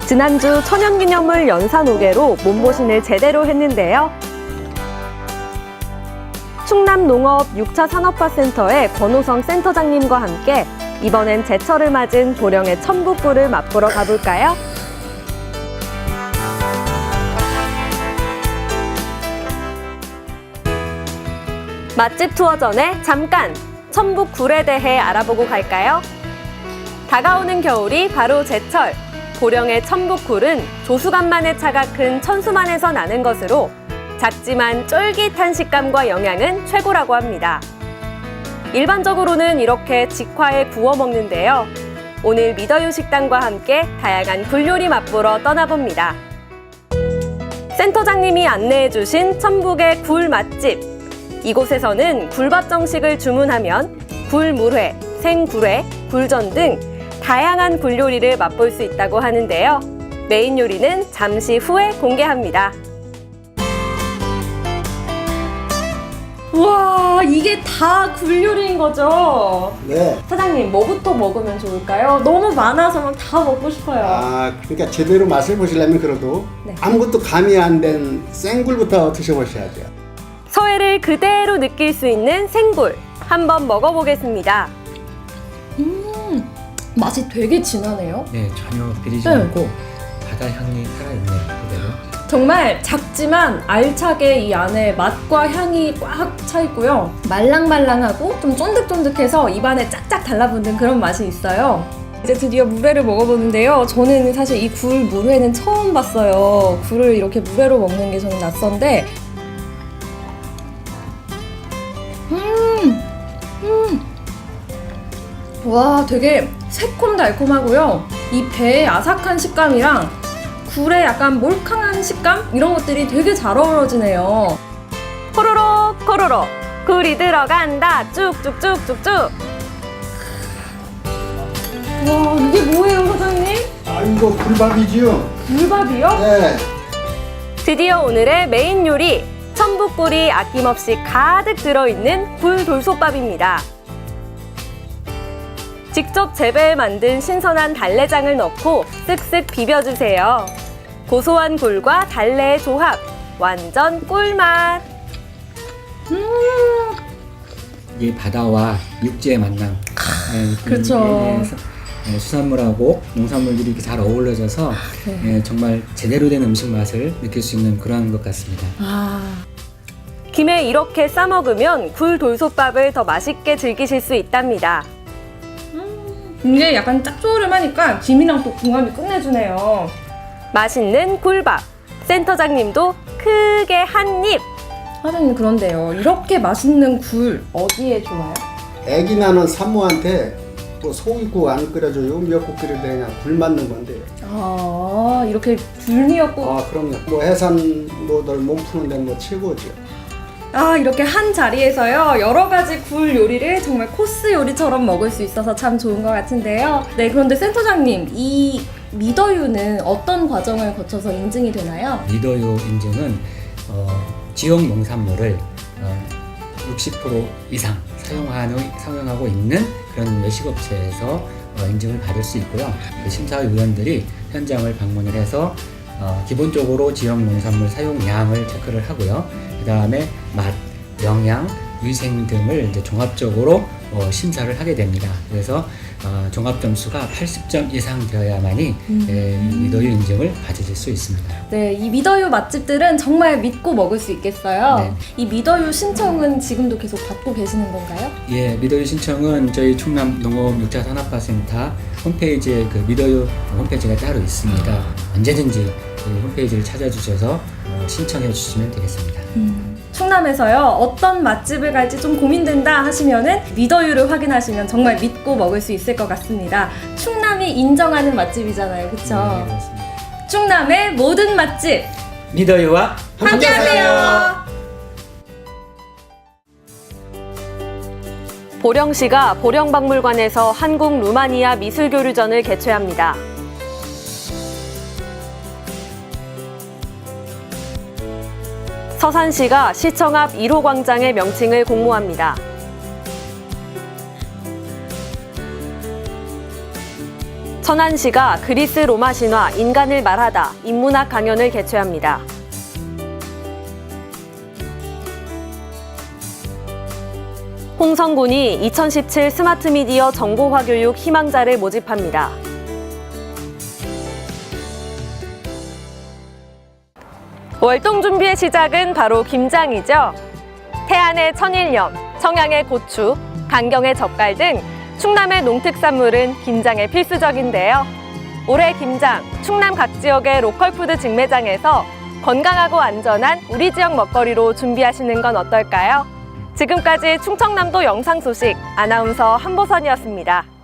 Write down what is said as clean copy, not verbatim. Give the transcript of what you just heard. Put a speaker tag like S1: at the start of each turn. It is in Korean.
S1: 지난주 천연기념물 연산오개로 몸보신을 제대로 했는데요. 충남농업 6차 산업화센터의 권호성 센터장님과 함께 이번엔 제철을 맞은 보령의 천북굴을 맛보러 가볼까요? 맛집 투어 전에 잠깐 천북굴에 대해 알아보고 갈까요? 다가오는 겨울이 바로 제철. 보령의 천북굴은 조수간만의 차가 큰 천수만에서 나는 것으로 작지만 쫄깃한 식감과 영양은 최고라고 합니다. 일반적으로는 이렇게 직화에 구워 먹는데요. 오늘 미더유 식당과 함께 다양한 굴 요리 맛보러 떠나봅니다. 센터장님이 안내해 주신 천북의 굴 맛집. 이곳에서는 굴밥 정식을 주문하면 굴물회, 생굴회, 굴전 등 다양한 굴 요리를 맛볼 수 있다고 하는데요. 메인 요리는 잠시 후에 공개합니다. 우와, 이게 다 굴 요리인 거죠?
S2: 네.
S1: 사장님, 뭐부터 먹으면 좋을까요? 너무 많아서 막 다 먹고 싶어요.
S2: 그러니까 제대로 맛을 보시려면 그래도
S1: 네.
S2: 아무것도 가미 안 된 생굴부터 드셔보셔야죠.
S1: 서해를 그대로 느낄 수 있는 생굴. 한번 먹어보겠습니다. 맛이 되게 진하네요.
S3: 네, 전혀 비리지
S1: 네.
S3: 않고 바다 향이 살아있네요, 그대로.
S1: 정말 작지만 알차게 이 안에 맛과 향이 꽉 차 있고요. 말랑말랑하고 좀 쫀득쫀득해서 입안에 짝짝 달라붙는 그런 맛이 있어요. 이제 드디어 물회를 먹어보는데요. 저는 사실 이 굴 물회는 처음 봤어요. 굴을 이렇게 물회로 먹는 게 저는 낯선데 와, 되게 새콤달콤하고요. 이 배의 아삭한 식감이랑 굴의 약간 몰캉한 식감? 이런 것들이 되게 잘 어우러지네요. 호로록 호로록 굴이 들어간다. 쭉쭉쭉쭉쭉. 와, 이게 뭐예요, 사장님?
S2: 이거 굴밥이지요?
S1: 굴밥이요?
S2: 네.
S1: 드디어 오늘의 메인 요리, 천북굴이 아낌없이 가득 들어있는 굴돌솥밥입니다. 직접 재배해 만든 신선한 달래장을 넣고 쓱쓱 비벼주세요. 고소한 굴과 달래의 조합, 완전 꿀맛!
S3: 이게 바다와 육지의 만남.
S1: 그렇죠.
S3: 수산물하고 농산물들이 이렇게 잘 어우러져서 정말 제대로 된 음식 맛을 느낄 수 있는 그런 것 같습니다.
S1: 김에 이렇게 싸먹으면 굴돌솥밥을 더 맛있게 즐기실 수 있답니다. 이게 약간 짭조름하니까 김이랑 또 궁합이 끝내주네요. 맛있는 굴밥. 센터장님도 크게 한 입. 사장님, 그런데요. 이렇게 맛있는 굴 어디에 좋아요?
S2: 애기 낳는 산모한테 뭐 소고기국 안 끓여줘요. 미역국 끓일 때 그냥 굴 맞는 건데.
S1: 이렇게 굴미역국.
S2: 그럼요. 뭐 해산모들 몸 푸는데 뭐 최고죠.
S1: 이렇게 한 자리에서요, 여러 가지 굴 요리를 정말 코스 요리처럼 먹을 수 있어서 참 좋은 것 같은데요. 네, 그런데 센터장님, 이 미더유는 어떤 과정을 거쳐서 인증이 되나요?
S3: 미더유 인증은 지역 농산물을 60% 이상 사용하고 있는 그런 외식업체에서 인증을 받을 수 있고요. 그 심사위원들이 현장을 방문을 해서 기본적으로 지역 농산물 사용량을 체크를 하고요. 그 다음에 맛, 영양, 위생 등을 이제 종합적으로 심사를 하게 됩니다. 그래서 종합 점수가 80점 이상 되어야만이 미더유 인증을 받으실 수 있습니다.
S1: 네, 이 미더유 맛집들은 정말 믿고 먹을 수 있겠어요.
S3: 네.
S1: 이 미더유 신청은 지금도 계속 받고 계시는 건가요?
S3: 예, 미더유 신청은 저희 충남 농업 6차 산업화센터 홈페이지에 그 미더유 홈페이지가 따로 있습니다. 언제든지 그 홈페이지를 찾아주셔서 신청해 주시면 되겠습니다.
S1: 충남에서요, 어떤 맛집을 갈지 좀 고민된다 하시면은 미더유를 확인하시면 정말 믿고 먹을 수 있을 것 같습니다. 충남이 인정하는 맛집이잖아요, 그쵸?
S3: 네, 그렇습니다.
S1: 충남의 모든 맛집
S3: 미더유와
S1: 함께하세요. 보령시가 보령박물관에서 한국 루마니아 미술교류전을 개최합니다. 서산시가 시청 앞 1호 광장의 명칭을 공모합니다. 천안시가 그리스 로마 신화 인간을 말하다 인문학 강연을 개최합니다. 홍성군이 2017 스마트 미디어 정보화 교육 희망자를 모집합니다. 월동 준비의 시작은 바로 김장이죠. 태안의 천일염, 청양의 고추, 강경의 젓갈 등 충남의 농특산물은 김장에 필수적인데요. 올해 김장, 충남 각 지역의 로컬푸드 직매장에서 건강하고 안전한 우리 지역 먹거리로 준비하시는 건 어떨까요? 지금까지 충청남도 영상 소식 아나운서 한보선이었습니다.